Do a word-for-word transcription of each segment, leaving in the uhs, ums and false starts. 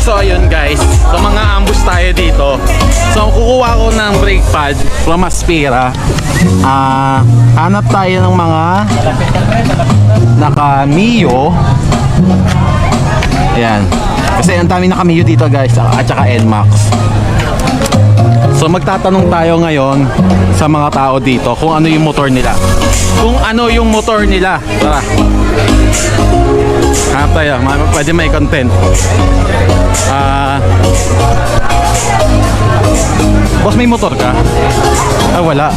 So ayun guys, so mga ambush tayo dito. So kukuha ko ng brake pad from Aspira. Ah, hanap tayo ng mga naka Mio. Ayan. Kasi ang dami naka Mio dito guys, at saka N MAX. So magtatanong tayo ngayon sa mga tao dito kung ano yung motor nila. Kung ano yung motor nila. Tara. Hanap tayo, pwede may content. Ah, boss, may motor ka? Ah, wala.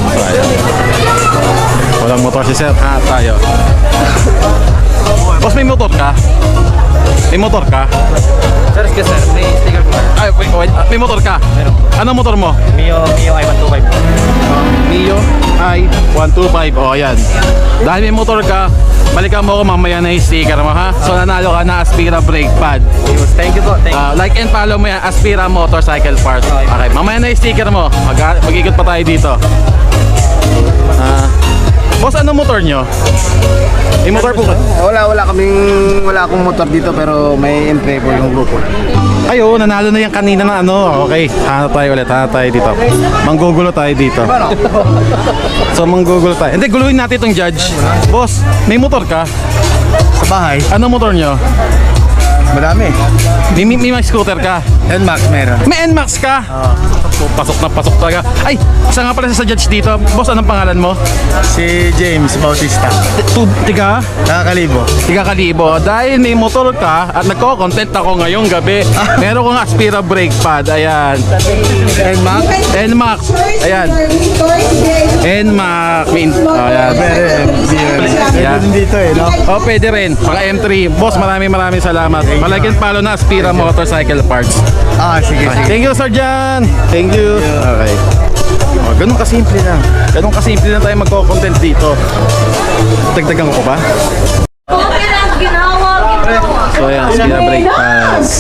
Walang motor si sir. Hanap tayo. Boss, may motor ka? May motor ka? Sir, excuse sir, may sticker po. Ay, wait, wait. May motor ka? Meron. Anong motor mo? Mio, Mio i one two five. Mio i one two five. O, ayan. Dahil may motor ka, balikan mo ako mamaya na yung sticker mo, ha? So, nanalo ka na Aspira brake pad. Thank you po, thank you. Uh, like and follow mo yan, Aspira Motorcycle Parts. Okay, mamaya na yung sticker mo. Mag- mag-ikot pa tayo dito. Ah, boss, ano motor nyo? May motor po ka? Wala, wala kaming, wala akong motor dito pero may entry po yung grupo. Ayo, nanalo na yan kanina na ano. Okay, hanap tayo ulit, hanap tayo dito. Manggugulo tayo dito. So, manggugulo tayo. Hindi, guluhin natin itong judge. Boss, may motor ka? Sa bahay, Ano motor nyo? madami. May, may, may scooter ka? N MAX meron. May N MAX ka? So, pasok na pasok talaga. Ay, isa nga pala sa judge dito. Boss, anong pangalan mo? Si James Bautista. Tu- Tiga? Nakakalibo. Tiga Kalibo. Dahil may motor ka at nagko-content ako ngayong gabi, meron kong Aspira brake pad. Ayan. N MAX? N MAX. Ayan. N MAX. Min- oh, ayan. Meron. Yeah. Meron dito eh, no? Oh, pwede rin. Paka M three. Boss, maraming maraming salamat. Malagyan palo na Aspira Motorcycle Parts. Ah, sige, sige. Thank you, Sir Jan. Thank you. Okay. Oh, ganun kasimple lang. Ganun kasimple lang tayo magko-content dito. Dagdagan ko pa. Okay lang, ginawa, ginawa. So ayan, Aspira brake pads.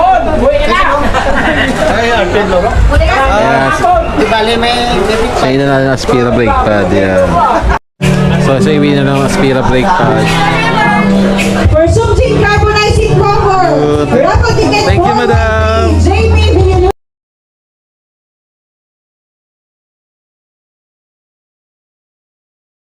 Ayan. Di bali may... So yun na lang Aspira brake pad. Yan. So sa so, iwi na lang Aspira brake pad. For something